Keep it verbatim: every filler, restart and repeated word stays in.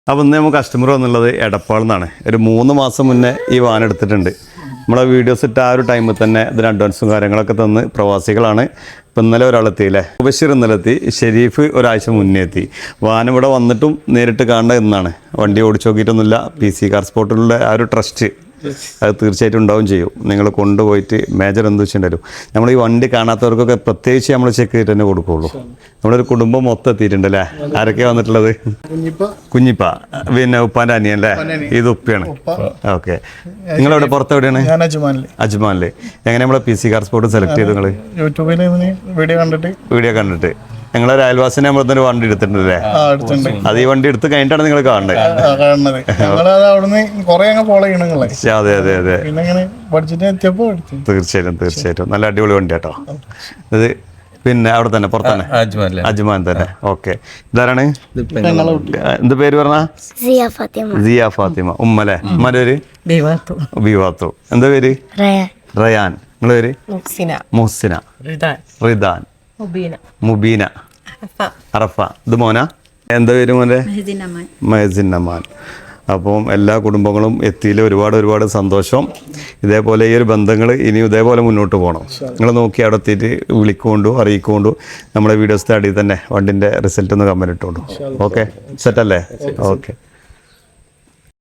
അപ്പോൾ ഇന്ന് നമുക്ക് കസ്റ്റമർ വന്നുള്ളത് എടപ്പാളിൽ നിന്നാണ്. ഒരു മൂന്ന് മാസം മുന്നേ ഈ വാൻ എടുത്തിട്ടുണ്ട്. നമ്മളെ വീഡിയോസ് ഇട്ട ആ ഒരു ടൈമിൽ തന്നെ ഇതിന് അഡ്വാൻസും കാര്യങ്ങളൊക്കെ തന്ന് പ്രവാസികളാണ്. ഇപ്പം ഇന്നലെ ഒരാളെത്തിയില്ലേ, ബഷീർ ഇന്നലെ എത്തി, ഷെരീഫ് ഒരാഴ്ച മുന്നേ എത്തി. വാൻ ഇവിടെ വന്നിട്ടും നേരിട്ട് കാണേണ്ട എന്നാണ്. വണ്ടി ഓടിച്ചു നോക്കിയിട്ടൊന്നുമില്ല. പി സി കാർ സ്പോട്ടിലുള്ള ആ ഒരു ട്രസ്റ്റ് അത് തീർച്ചയായിട്ടും ഉണ്ടാവും ചെയ്യും. നിങ്ങൾ കൊണ്ടുപോയിട്ട് മേജർ എന്ത് വെച്ചിട്ടുണ്ടാവും. നമ്മൾ ഈ വണ്ടി കാണാത്തവർക്കൊക്കെ പ്രത്യേകിച്ച് നമ്മൾ ചെക്ക് ചെയ്തിട്ട് തന്നെ കൊടുക്കുകയുള്ളൂ. നമ്മളൊരു കുടുംബം മൊത്തം എത്തിയിട്ടുണ്ട് അല്ലേ. ആരൊക്കെയാണ് വന്നിട്ടുള്ളത്? കുഞ്ഞിപ്പ, പിന്നെ ഉപ്പാൻ്റെ അനിയൻ അല്ലേ, ഇത് ഉപ്പയാണ്. ഓക്കെ, നിങ്ങളെവിടെ പുറത്തെവിടെയാണ്? അജ്മാനില്. എങ്ങനെ നമ്മളെ P C car spot select ചെയ്തു? നിങ്ങൾ യൂട്യൂബിൽ വീഡിയോ കണ്ടിട്ട് വീഡിയോ കണ്ടിട്ട് ഞങ്ങളൊരു അയൽവാസിനെ നമ്മളൊരു വണ്ടി എടുത്തിട്ടുണ്ടല്ലേ? അത് ഈ വണ്ടി എടുത്ത് കഴിഞ്ഞിട്ടാണ് നിങ്ങൾ കാണുന്നത്. അതെ അതെ അതെ, തീർച്ചയായിട്ടും തീർച്ചയായിട്ടും നല്ല അടിപൊളി വണ്ടി കേട്ടോ ഇത്. പിന്നെ അവിടെ തന്നെ പുറത്തന്നെ അജ്മാൻ തന്നെ. ഓക്കെ, ഇതാരാണ്? എന്ത് പേര് പറഞ്ഞ? സിയ ഫാത്തിമ. ഉമ്മല്ലേ? ഉമ്മന്റെ പേര് ബിവാത്തു. എന്താ പേര്? റയാൻ. നിങ്ങളെ പേര്? മുഹ്സിന. റിദാൻ. മുബീന. അറഫ. ഇത് മോന? എന്താ പേര് മോനെ? മഹസിൻ അമാൻ. അപ്പം എല്ലാ കുടുംബങ്ങളും എത്തിയിൽ ഒരുപാട് ഒരുപാട് സന്തോഷം. ഇതേപോലെ ഈ ഒരു ബന്ധങ്ങൾ ഇനിയും ഇതേപോലെ മുന്നോട്ട് പോകണം. നിങ്ങൾ നോക്കി അവിടെ എത്തിയിട്ട് വിളിക്കൊണ്ടു അറിയിക്കൊണ്ടു നമ്മുടെ വീഡിയോസ് അടിയിൽ തന്നെ വണ്ടിൻ്റെ റിസൾട്ട് ഒന്ന് കമൻറ്റ് ഇട്ടോണ്ടു. ഓക്കെ, സെറ്റല്ലേ? ഓക്കെ.